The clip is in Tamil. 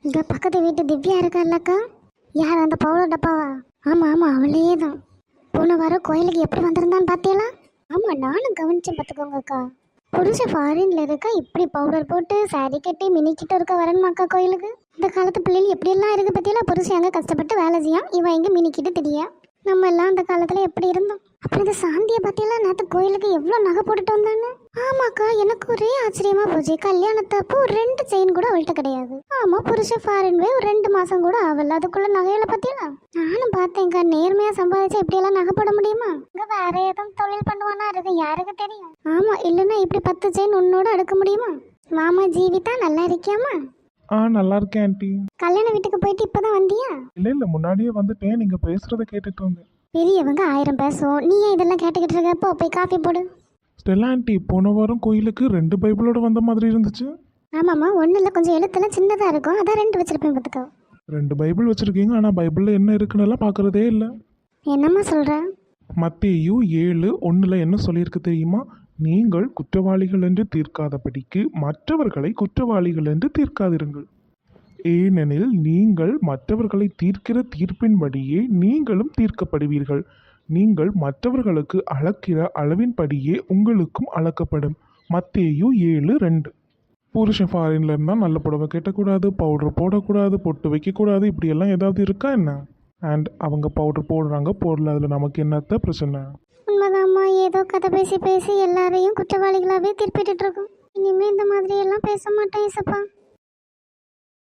இங்க பக்கத்து வீட்டு திவ்யா இருக்கால்லக்கா. யார் அந்த பவுடர் டப்பாவா? ஆமா ஆமா அவளே தான். போன வாரம் கோயிலுக்கு எப்படி வந்திருந்தான்னு பார்த்தீங்களா? ஆமா நானும் கவனிச்சேன் பார்த்துக்கோங்கக்கா. புருஷன் ஃபாரின்ல இருக்கா, இப்படி பவுடர் போட்டு சாரி கட்டி மினிக்கிட்டு இருக்க வரணுமாக்கா கோயிலுக்கு? இந்த காலத்து பிள்ளைகள் எப்படியெல்லாம் இருக்கு பத்தியெல்லாம். புருஷன் அங்கே கஷ்டப்பட்டு வேலை செய்யான், இவன் எங்கே மினிக்கிட்டு தெரியா. நம்ம எல்லாம் அந்த காலத்துல எப்படி இருந்தோம். அப்புறம் இந்த சாந்தியை பத்தியெல்லாம் நேற்று கோயிலுக்கு எவ்வளோ நகை போட்டுட்டு வந்தானு. ஆமாக்கா எனக்கு ஒரே ஆச்சரியமா போச்சு. கல்யாணத்தப்போ 2 செயின் கூட அவள்கிட்ட கிடையாது. ஆமா புருஷன் ஃபாரின் போய் ஒரு 2 மாசம் கூட ஆகல, அதுக்குள்ள நகையில பத்தியெல்லாம் நானும் பார்த்தேன்க்கா. நேர்மையா சம்பாதிச்சா இப்படியெல்லாம் நகை போட முடியுமா? இங்க வேற ஏதும் தொழில் பண்ணுவானா இருக்கு, யாருக்கு தெரியும். ஆமா இல்லைன்னா இப்படி 10 செயின் உன்னோட அடுக்க முடியுமா? மாமா ஜீவிதா நல்லா இருக்கியாமா? நல்லா இருக்கேன் ஆண்டி. கல்யாண வீட்டுக்கு போயிட்டு இப்பதான் வந்தியா? இல்ல முன்னாடியே வந்துட்டேன், நீங்க பேசுறத கேட்டுட்டு வந்தேன். பெரியவங்க 1000 பேசுவோம், நீ ஏன் இதெல்லாம் கேட்டுக்கிட்டு இருக்கப்போ போய் காஃபி போடு. ஸ்டெல்லா ஆண்டி, போன வாரம் கோயிலுக்கு 2 பைபிளோட வந்த மாதிரி இருந்துச்சு. ஆமாம்மா ஒன்றும் இல்லை, கொஞ்சம் எழுத்தெல்லாம் சின்னதாக இருக்கும், அதான் 2 வச்சிருப்பேன் பார்த்துக்கோ. 2 பைபிள் வச்சிருக்கீங்க, ஆனா பைபிள்ல என்ன இருக்குன்னு பார்க்கறதே இல்லை. என்னம்மா சொல்ற? மத்தேயு 7:1 என்ன சொல்லியிருக்கு தெரியுமா? நீங்கள் குற்றவாளிகள் என்று தீர்க்காதபடிக்கு மற்றவர்களை குற்றவாளிகள் என்று தீர்க்காதிருங்கள். ஏனெனில் நீங்கள் மற்றவர்களை தீர்க்கிற தீர்ப்பின்படியே நீங்களும் தீர்க்கப்படுவீர்கள். நீங்கள் மற்றவர்களுக்கு அளக்கிற அளவின்படியே உங்களுக்கும் அளக்கப்படும். மத்தேயு 7:2. புருஷன் ஃபாரின்ல இருந்தால் நல்ல புடவை கட்டக்கூடாது, பவுடர் போடக்கூடாது, பொட்டு வைக்கக்கூடாது, இப்படியெல்லாம் ஏதாவது இருக்கா என்ன? அண்ட் அவங்க பவுடர் போடுறாங்க போடல, அதில் நமக்கு என்னத்த பிரச்சனை? உண்மைதாம்மா, ஏதோ கதை பேசி பேசி எல்லாரையும் குற்றவாளிகளாகவே தீர்ப்பிட்டு இருக்கோம். இனிமே இந்த மாதிரி எல்லாம் பேச மாட்டேன் இசப்பா.